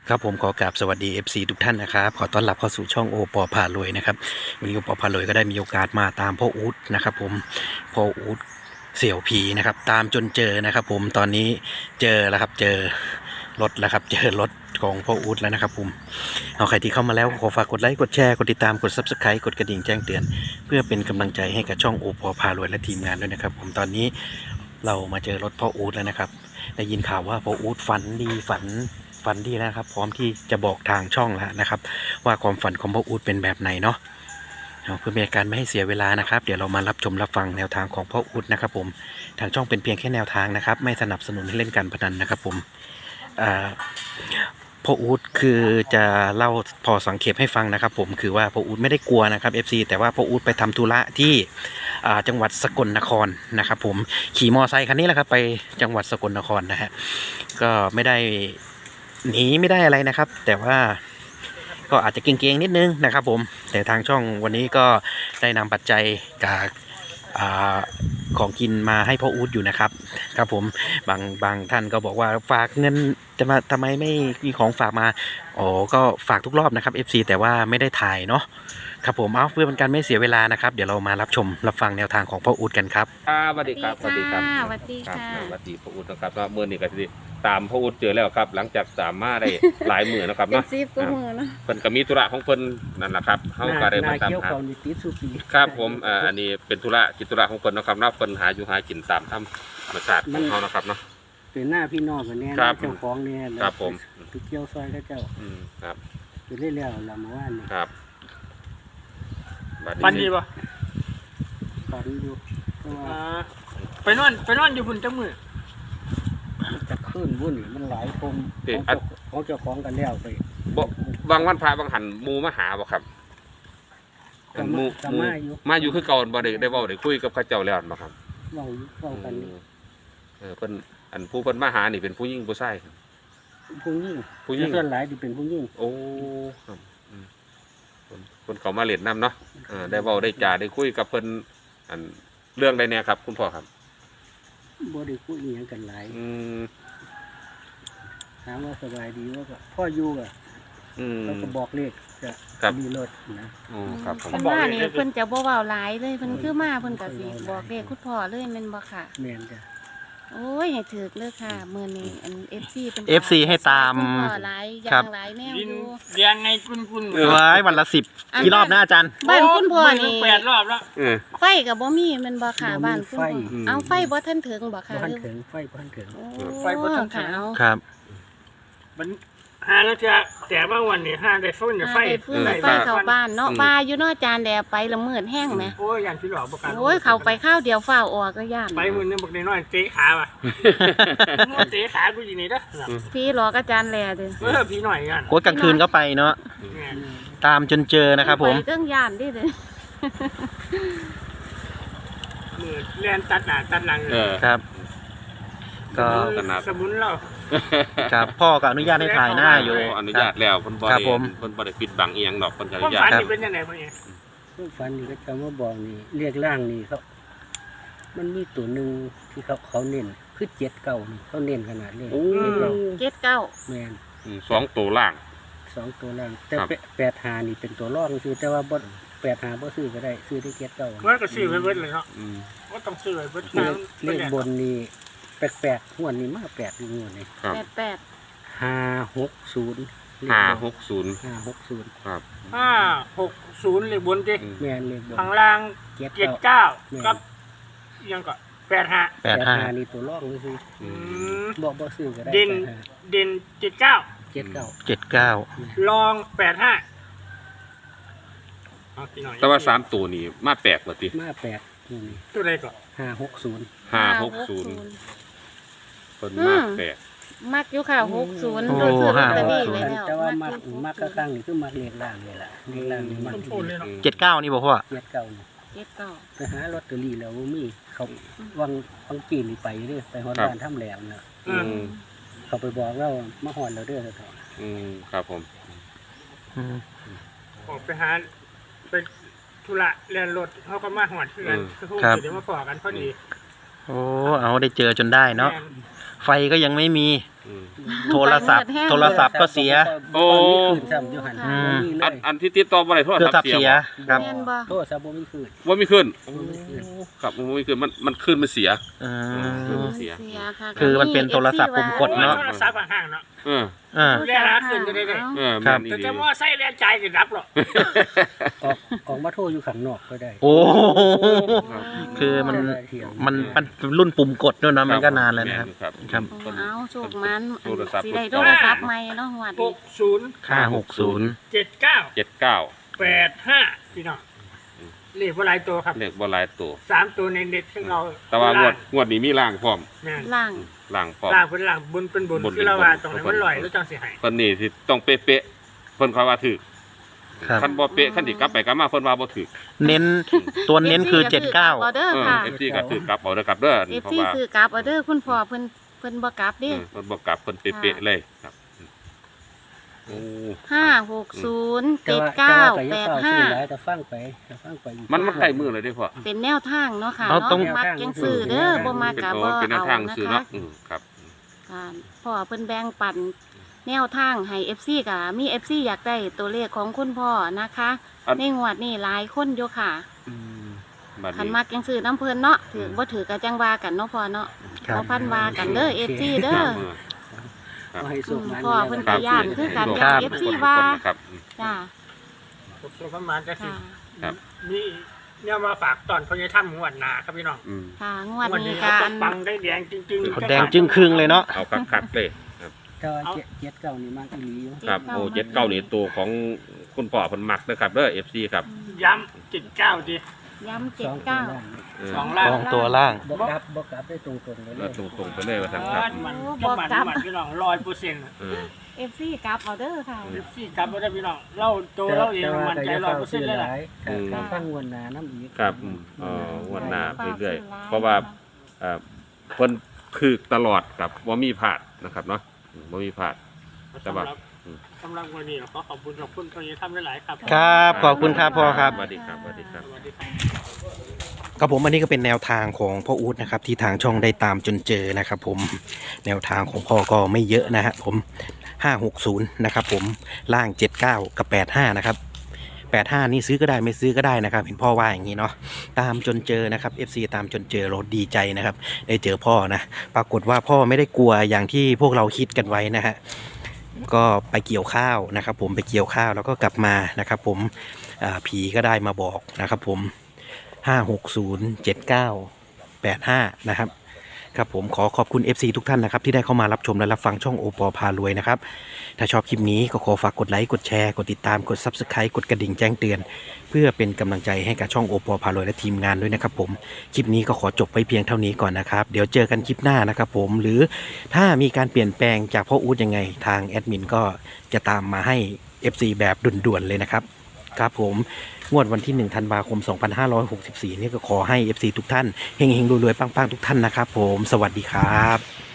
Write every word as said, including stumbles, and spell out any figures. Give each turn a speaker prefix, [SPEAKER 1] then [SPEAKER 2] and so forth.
[SPEAKER 1] ครับผมขอกราบสวัสดี เอฟ ซี ทุกท่านนะครับขอต้อนรับเข้าสู่ช่องโอปอพารวยนะครับวันนี้โอปอพารวยก็ได้มีโอกาสมาตามพ่ออู๊ดนะครับผมพ่ออู๊ดเสี่ยวผีนะครับตามจนเจอนะครับผมตอนนี้เจอแล้วครับเจอรถแล้วครับเจอรถของพ่ออู๊ดแล้วนะครับผมเอาใครที่เข้ามาแล้วขอฝากกดไลค์กดแชร์กดติดตามกด ซับสไครบ์ กดกระดิ่งแจ้งเตือนเพื่อเป็นกำลังใจให้กับช่องโอปอพารวยและทีมงานด้วยนะครับผมตอนนี้เรามาเจอรถพ่ออู๊ดแล้วนะครับได้ยินข่าวว่าพ่ออู๊ดฝันดีฝันฝันดีแล้วครับพร้อมที่จะบอกทางช่องแล้วนะครับว่าความฝันของพ่ออู๊ดเป็นแบบไหนเนาะเพื่อเป็นการไม่ให้เสียเวลานะครับเดี๋ยวเรามารับชมรับฟังแนวทางของพ่ออู๊ดนะครับผมทางช่องเป็นเพียงแค่แนวทางนะครับไม่สนับสนุนให้เล่นการพนันนะครับผมพ่ออู๊ดคือจะเล่าพอสังเขปให้ฟังนะครับผมคือว่าพ่ออู๊ดไม่ได้กลัวนะครับ เอฟ ซี แต่ว่าพ่ออู๊ดไปทำธุระที่จังหวัดสกลนครนะครับผมขี่มอไซค์คันนี้แหละครับไปจังหวัดสกลนครนะฮะก็ไม่ได้หนีไม่ได้อะไรนะครับแต่ว่าก็อาจจะเก่งๆนิดนึงนะครับผมแต่ทางช่องวันนี้ก็ได้นำปัจจัยจากของกินมาให้พ่ออู๊ดอยู่นะครับครับผมบางบางท่านก็บอกว่าฝากเงินจะมาทำไมไม่มีของฝากมาอ๋อก็ฝากทุกรอบนะครับ เอฟ ซี แต่ว่าไม่ได้ถ่ายเนาะครับผมเอาเพื่อเป็นการไม่เสียเวลานะครับเดี๋ยวเรามารับชมรับฟังแนวทางของพ่ออู๊ดกันครับ
[SPEAKER 2] สวัสดีครับ
[SPEAKER 3] สวัสดีครับ
[SPEAKER 2] สวัสดีค่ะสวัสดีพ่ออู๊ดนะครับเมื่อนี้ก็ที่ตามพ่ออู๊ดเจอแล้วครับหลังจากตามมาได้หลายหมื่นนะครับเนาะ
[SPEAKER 3] ซีฟก็มือเนาะ
[SPEAKER 2] เพิ่นก็มีธุระของเพิ่นนั่นแหละครับเขาก็ได้มาตามหาครับผมอ่าอันนี้เป็นธุระกิจธุระของเพิ่นนะครับเนาะเพิ่นหาอยู่หากินตามธรรมชาติของเขานะครับเนาะ
[SPEAKER 4] เป็นหน้าพี่น้องกันเนี่ยเจ้าของเนี่ย
[SPEAKER 2] ครับผม
[SPEAKER 4] ไปเกี่ยวซอยก็เจ้า
[SPEAKER 2] อืมครับ
[SPEAKER 4] ไปเรื่อยๆเราเมื่อวานนี่
[SPEAKER 2] ครับ
[SPEAKER 5] ฟันดีป่ะ
[SPEAKER 4] ฟันอยู่
[SPEAKER 5] ไปนอนไปนอนอยู่พุ่นจังมือ
[SPEAKER 4] จะขึ้นวุ่นมันหลายคนของเจ้าของกันแล้วไป
[SPEAKER 2] บ่บางวันพระบางหันมูมาหาบ่ครับมูมูมาอยู่คือเก่าบ่ได้ได้เว้าได้คุยกับข้าเจ้าแล้วบ่ครับ
[SPEAKER 4] เว้าเว้ากัน
[SPEAKER 2] เออเพิ่นอันผู้เพิ่นมาหานี่เป็นผู้หญิงผู้ชาย
[SPEAKER 4] ผู้หญิงผู้หญิงส่วนหลายที่เป็นผู้หญิง
[SPEAKER 2] โอ้ครับคนเขามาเล่นน้ำเนาะได้เว้าได้จ่าได้คุยกับเพิ่นอันเรื่องใดแน่ครับคุณพ่อครับ
[SPEAKER 4] บ่ได้คุยอย่างกันหลายถามว่าสบายดีว่าก็พ่ออยู่อ่ะเขาก็บอกเลขจะมีรถนะ
[SPEAKER 2] อ๋อครับ
[SPEAKER 3] เพิ่นว่านี่เพิ่นจะบ่เว้าหลายเลยเพิ่นคือมาเพิ่นก็สิบอกเลขคุณพ่อเลยแม่นบ่ค่ะ
[SPEAKER 4] แม่นจ้ะ
[SPEAKER 3] โอ้ยให้ถูกเลยค่ะมื้อนี้อัน เอฟ ซี เป็น
[SPEAKER 1] เอฟ ซี ให้ตาม
[SPEAKER 3] หลายอย่างหลายแนวอยู่
[SPEAKER 5] เรียงไงคุณ
[SPEAKER 1] ๆไว้วันละสิบกี่รอบนะอาจารย์
[SPEAKER 3] บ้านคุณพ่อนี่
[SPEAKER 5] แปดรอบแล้ว
[SPEAKER 3] ไฟก็บ่มีแม่นบ่ค่ะบ้านคุณพ่อเอาไฟบ่ทันถึงบ่ค่ะ
[SPEAKER 4] บ่ทันถึงไฟบ่ทันถึง
[SPEAKER 5] ไฟบ่ทันถึง
[SPEAKER 1] ครับ
[SPEAKER 5] มันหาแล้วจะแต่บางวันนี่หาได้ฟื้นได้ไฟ
[SPEAKER 3] ไฟเข้าบ้านเนาะบ้าอยู่เนาะอาจารย์แดดไปละมืดแห้งแหม
[SPEAKER 5] โอ้ยย่านสิหลอกบ่กัน
[SPEAKER 3] โอ้ยเข้าไปข้าวเดียวฟ้าวออกก็ย่าน
[SPEAKER 5] ไปมื้อนึงบักน้อยเตะขาว่ะเตะขากูอยู่นี่เด้อ
[SPEAKER 3] พี่หลอกอาจารย์แลเด้อ
[SPEAKER 5] เออพี่หน่อยกัน
[SPEAKER 1] โคตรกลางคืนก็ไปเนาะตามจนเจอนะครับผม
[SPEAKER 3] ไปเครื่องย่านดิเด้อ
[SPEAKER 5] มือแล่นตัดหน้าตัดหลัง
[SPEAKER 1] ครับก็
[SPEAKER 5] สมุนเรา
[SPEAKER 1] ครับพ่อก็อนุญาตให้ถ่ายหน้าอยู่
[SPEAKER 2] อนุญาตแล้วเพิ่นบ่ได้เพิ่นบ่ได้ปิดบังอีหยังดอกเพิ่นอนุญาต
[SPEAKER 5] ครับเป็นจังได๋พ่อเนี่ย
[SPEAKER 4] ฝันนี่ก็จะมาบอกนี่เรียกร่างนี่เขามันมีตัวนึงที่เขาเขาเน้นคือเจ็ดเก้านี่เขาเน้นขนาดนี้
[SPEAKER 3] เจ็ดเก้า
[SPEAKER 4] แม่น
[SPEAKER 2] สองตัวล่าง
[SPEAKER 4] สองตัวล่างแต่แปดหานี่เป็นตัวรองคือแต่ว่าบ่แปดหาบ่ซื้อก็ได้ซื้อได้เจ็ดเก้า
[SPEAKER 5] มันก็ซื้อไว้เบิดเลยเนาะก็ต้องซื้อไว้เบิด
[SPEAKER 4] เลขบนนี่แปลกๆหัวนี่มาแปดงวดนี่
[SPEAKER 3] แปดแปด
[SPEAKER 4] ห้าหกศูนย์
[SPEAKER 2] ห้าหกศูนย์
[SPEAKER 4] ห้าหกศูนย์
[SPEAKER 2] ครับ
[SPEAKER 5] ห้าหกศูนย์เลขบนดิ
[SPEAKER 4] แม่นเลขบน
[SPEAKER 5] ข้างล่างเจ็ดเก้ากับยังก็แปดห้า
[SPEAKER 1] แปดห้า
[SPEAKER 4] นี่ตัวรองเลยสิบอกบ่ซื้อก็ได้
[SPEAKER 5] เด่นเด่นเจ็ดเก้า
[SPEAKER 4] เจ็ดเก้า
[SPEAKER 1] เจ็ดเก้า
[SPEAKER 5] ลองแปดห้า
[SPEAKER 2] แต่ว่าสามตัวนี้มาแปลกว่าติ
[SPEAKER 4] มาแปลกนี่
[SPEAKER 5] ตัวใดก่อน
[SPEAKER 4] ห้าหกศูนย์
[SPEAKER 2] ห้าหกศูนย์คนมากแปลก
[SPEAKER 3] มักอยู่ค่ะหกศูนย์โดยซื้อลอตเตอรี่ไว้แล้ว
[SPEAKER 4] แต่ว่ามักมักข้างนี่คือมักเลขล่างนี่แหละเลขล่างนี่มัก
[SPEAKER 1] เจ็ดเก้านี่บอกว่า
[SPEAKER 4] เจ็ดเก้านี่
[SPEAKER 3] เจ็ดเก้า
[SPEAKER 4] ไปหาลอตเตอรี่แล้วมีเขาวังวังปีนี่ไปเด้อไปฮอดบ้านถ้ำแหลมน่ะเขาไปบอกเรามาฮอดเราเด้อเถอะ
[SPEAKER 2] อืมครับผม
[SPEAKER 5] ออกไปหาไปธุระเรียนรถเขาก็มาหอดเพื่อนเขาเดี๋ยวมาปอกกันพอดี
[SPEAKER 1] โอ้เอาได้เจอจนได้เนาะไฟก็ยังไม่มี
[SPEAKER 2] อืม
[SPEAKER 1] โทรศัพท์โทรศัพท์ก็เสีย
[SPEAKER 2] โอ้
[SPEAKER 4] บ่มีคืนซ้ำอยู่หั่น
[SPEAKER 3] อืม
[SPEAKER 4] บ่มีเล
[SPEAKER 2] อัน
[SPEAKER 4] ย
[SPEAKER 2] อันที่ติดต่อบ่ได้โทร
[SPEAKER 1] เครื่อ
[SPEAKER 2] ศั
[SPEAKER 1] ง
[SPEAKER 2] พท์
[SPEAKER 1] ทับ
[SPEAKER 2] เสีย
[SPEAKER 1] เสียครับ
[SPEAKER 3] แม่นบ่
[SPEAKER 4] โทรศัพท์บ่มีคืน
[SPEAKER 2] ว่ามีขึ้น
[SPEAKER 4] บ่มีคืน
[SPEAKER 2] ครับมันบ่มีขึ้นมันมันขึ้นมันเสีย
[SPEAKER 1] อื
[SPEAKER 2] คือ
[SPEAKER 1] ม
[SPEAKER 2] มันเสีย
[SPEAKER 3] ค่ะ
[SPEAKER 1] คือมันเป็นโทรศัพท์ปุ่มกดเนาะ
[SPEAKER 5] โทรศัพท์ห่างๆเนาะ
[SPEAKER 2] เออ
[SPEAKER 1] อ่า
[SPEAKER 5] เรียกหาคืนจะได้เลย
[SPEAKER 2] เออ
[SPEAKER 1] ครั
[SPEAKER 2] แม่
[SPEAKER 1] บ
[SPEAKER 2] น
[SPEAKER 5] แต่
[SPEAKER 2] ดี
[SPEAKER 5] จะว่าใส่แรงใจก็รับหรอก
[SPEAKER 4] ออกออกมาโทรอยู่ข้างนอกก็ได้
[SPEAKER 1] โอ้คือมันมันมันรุ่นปุ่มกดด้วยนะมันก็นานแล้วนะครับ
[SPEAKER 2] ครับ
[SPEAKER 1] ครับ
[SPEAKER 3] เอาโชคมัน
[SPEAKER 2] โทรศัพท์
[SPEAKER 3] สิได้โทรศัพท์ใหม่เนาะหวด
[SPEAKER 5] ห
[SPEAKER 3] นี้
[SPEAKER 5] กศูนย์
[SPEAKER 1] ห้าหกศูนย์
[SPEAKER 5] เจ็ดเก้า
[SPEAKER 2] เจ็ดเก้า
[SPEAKER 5] แปดห้าพี่น้องเลขว่าหลายตัวครับ
[SPEAKER 2] เลขบ่หลายตัว
[SPEAKER 5] สามตัวในเน็ตซึ่งเรา
[SPEAKER 2] แต่ว่างวดงวดนี้มีล่างพร้อม
[SPEAKER 5] แม่น
[SPEAKER 3] ล่าง
[SPEAKER 2] ล่างพร้อม
[SPEAKER 5] ล่างเป็นล่างบนเป็นบน
[SPEAKER 2] บนเป็น
[SPEAKER 5] คือเราว่า
[SPEAKER 2] บน
[SPEAKER 5] ตรงไหนมันลอยแล้วจังสิใหาย
[SPEAKER 2] เพิ่นนี่สิต้องเป๊ะๆเพิ่นเขาว่าถูก
[SPEAKER 1] ครับ
[SPEAKER 2] คันบ่เป๊ะคันสิกลับไปกลับมาเพิ่นว่าบ่ถูก
[SPEAKER 1] เน้นตัวเน้นคือเจ็ดเก้า
[SPEAKER 3] ออเดอร์
[SPEAKER 2] เออ
[SPEAKER 3] ค่ะ
[SPEAKER 2] เอฟซีก็ถูกกลับเอาเด้อครับเด้อ
[SPEAKER 3] เอฟ
[SPEAKER 2] เพราะ
[SPEAKER 3] ซี
[SPEAKER 2] ว่า
[SPEAKER 3] ซื้อกลับออเดอร์คุณพ่อเพิ่นเพิ่นบ่กลับ
[SPEAKER 2] เอ
[SPEAKER 3] เด้
[SPEAKER 2] อเพิ่นบ่กลับเพิ่นเป๊ะๆเลยครับโอ้
[SPEAKER 3] ห้าหกศูนย์
[SPEAKER 4] แต่
[SPEAKER 3] เจ็ด
[SPEAKER 4] ว่า
[SPEAKER 3] เก้า
[SPEAKER 4] แต่
[SPEAKER 3] แป
[SPEAKER 4] ว่า
[SPEAKER 3] ด
[SPEAKER 4] ก็อย่าเฝ้า
[SPEAKER 3] ห้า
[SPEAKER 4] ซื้อหลายแต่ฟังไปแต่ฟังไปอยู่
[SPEAKER 2] มันมันใกล้มือเลยเด้อพ่อ
[SPEAKER 3] เป็นแนวทางเนาะค่ะ
[SPEAKER 1] เอา
[SPEAKER 3] เนาะ
[SPEAKER 1] ต้อง
[SPEAKER 3] มักจังซื้อเด้อบ่มัก
[SPEAKER 2] เป็น
[SPEAKER 3] กะ
[SPEAKER 2] โอ้
[SPEAKER 3] บ่
[SPEAKER 2] เป็นแนว
[SPEAKER 3] เอา
[SPEAKER 2] ทาง
[SPEAKER 3] นะ
[SPEAKER 2] ซื้อ
[SPEAKER 3] คะ
[SPEAKER 2] เนาะอืมครับ
[SPEAKER 3] ค่ะพ่อเพิ่นแบ่งปันแนวทางให้ เอฟ ซี กะมี เอฟ ซี อยากได้ตัวเลขของคุณพ่อนะคะ
[SPEAKER 2] อัน
[SPEAKER 3] ในงวดนี้หลายคนอยู่ค่ะ
[SPEAKER 2] อืมบัด
[SPEAKER 3] คัน
[SPEAKER 2] นี้
[SPEAKER 3] มักจังซื้อน้ำเพิ่นเนาะถือบ่ถือก็จังว่ากันเนาะพ่อเนาะ
[SPEAKER 1] ครับ
[SPEAKER 3] บ่พันว่ากันเด้อ เอฟ ซี เด้อ
[SPEAKER 2] มือ
[SPEAKER 4] เอาให้สุกมัน
[SPEAKER 3] พ่อเพิ่น
[SPEAKER 2] ครั
[SPEAKER 3] ก็ย่านคือกัน
[SPEAKER 2] ค
[SPEAKER 3] ย่า
[SPEAKER 2] รั
[SPEAKER 3] น
[SPEAKER 2] บ
[SPEAKER 3] เอฟ ซี ว่า
[SPEAKER 2] ครับ
[SPEAKER 3] จ้า
[SPEAKER 5] ส่วนประมาณจะสิ
[SPEAKER 3] ค่ะ
[SPEAKER 2] ครับ
[SPEAKER 5] มีเนี่ยมาฝากตอนพญาถ้ำงวดหนาครับพี่น้อง
[SPEAKER 2] อืม
[SPEAKER 3] ค่ะงวด
[SPEAKER 5] งวด
[SPEAKER 3] นี้
[SPEAKER 5] นี้
[SPEAKER 3] กั
[SPEAKER 5] เขา
[SPEAKER 3] น
[SPEAKER 5] ปังได้แดงจริง
[SPEAKER 1] เขาแดงจึงครึ่งเลยเนาะ
[SPEAKER 2] เอาคักๆเลยครับ
[SPEAKER 4] แต่ว่าเจ็ดเจ็ดเก้านี่มากอีหลีอยู่
[SPEAKER 2] ครับโอ้เจ็ดเก้านี่ตัวของคุณพ่อเพิ่นมักนะครับเด้อ เอฟ ซี ครับ
[SPEAKER 5] ย้ำเจ็ดเก้าดิ
[SPEAKER 3] ย้ำ
[SPEAKER 4] ส
[SPEAKER 3] เจ็ด
[SPEAKER 4] องตัว
[SPEAKER 3] เก้า
[SPEAKER 4] ล่าง
[SPEAKER 2] เออ
[SPEAKER 5] สองล่าง
[SPEAKER 1] สองตัวล่าง
[SPEAKER 4] บกลับบกลับได้ตรงๆเลย
[SPEAKER 2] แล้วตรงๆไปเลยว่าซั่นครับ
[SPEAKER 5] มันก็มันมันพี่น้องร้อยเปอร์เซ็นต์
[SPEAKER 2] เออ
[SPEAKER 3] เอฟซีกลับเอาเด้อค่ะ
[SPEAKER 5] สิบสี่ครับไม่ได้พี่น้องเราตัวเราเองมันใจร้อยเปอร์เซ็นต์เลยแหละ
[SPEAKER 2] อืม
[SPEAKER 4] ถ้าฟังวนหนาน้ำอีก
[SPEAKER 2] ครับอืมเอ่องวดหน้าไปเรื่อยๆเพราะว่าเอ่อเพิ่นถูกตลอดครับบ่มีพลาดนะครับเนาะอืมบ่มีพลาด แต่ว่า
[SPEAKER 5] สำหรับวันนี้ขอขอบคุณขอบคุณพญาถ้ำหลายๆครับ
[SPEAKER 1] ครับขอบคุณครับพ่อครับ
[SPEAKER 2] สวัสดีครับสวัสดีครับ
[SPEAKER 5] สวัสดีครับ
[SPEAKER 1] ครับผมอันนี้ก็เป็นแนวทางของพ่ออู๊ดนะครับที่ทางช่องได้ตามจนเจอนะครับผมแนวทางของพ่อก็ไม่เยอะนะฮะผมห้าหกศูนย์นะครับผมล่างเจ็ดเก้ากับแปดห้านะครับแปดห้านี่ซื้อก็ได้ไม่ซื้อก็ได้นะครับเห็นพ่อว่าอย่างนี้เนาะตามจนเจอนะครับ เอฟ ซี ตามจนเจอเราดีใจนะครับได้เจอพ่อนะปรากฏว่าพ่อไม่ได้กลัวอย่างที่พวกเราคิดกันไว้นะฮะก็ไปเกี่ยวข้าวนะครับผมไปเกี่ยวข้าวแล้วก็กลับมานะครับผมอ่าผีก็ได้มาบอกนะครับผมห้าหกศูนย์เจ็ดเก้าแปดห้านะครับครับผมขอขอบคุณ เอฟ ซี ทุกท่านนะครับที่ได้เข้ามารับชมและรับฟังช่องโอปอพารวยนะครับถ้าชอบคลิปนี้ก็ขอฝากกดไลค์กดแชร์กดติดตามกด ซับสไครบ์ กดกระดิ่งแจ้งเตือน เพื่อเป็นกำลังใจให้กับช่องโอปอพารวยและทีมงานด้วยนะครับผมคลิปนี้ก็ขอจบไว้เพียงเท่านี้ก่อนนะครับเดี๋ยวเจอกันคลิปหน้านะครับผมหรือถ้ามีการเปลี่ยนแปลงจากพ่ออู๊ดยังไงทางแอดมินก็จะตามมาให้ เอฟ ซี แบบด่วนๆเลยนะครับครับผมงวดวันที่หนึ่งธันวาคมสองพันห้าร้อยหกสิบสี่นี่ก็ขอให้ เอฟ ซี ทุกท่านเฮงๆรวยๆปังๆทุกท่านนะครับผมสวัสดีครับ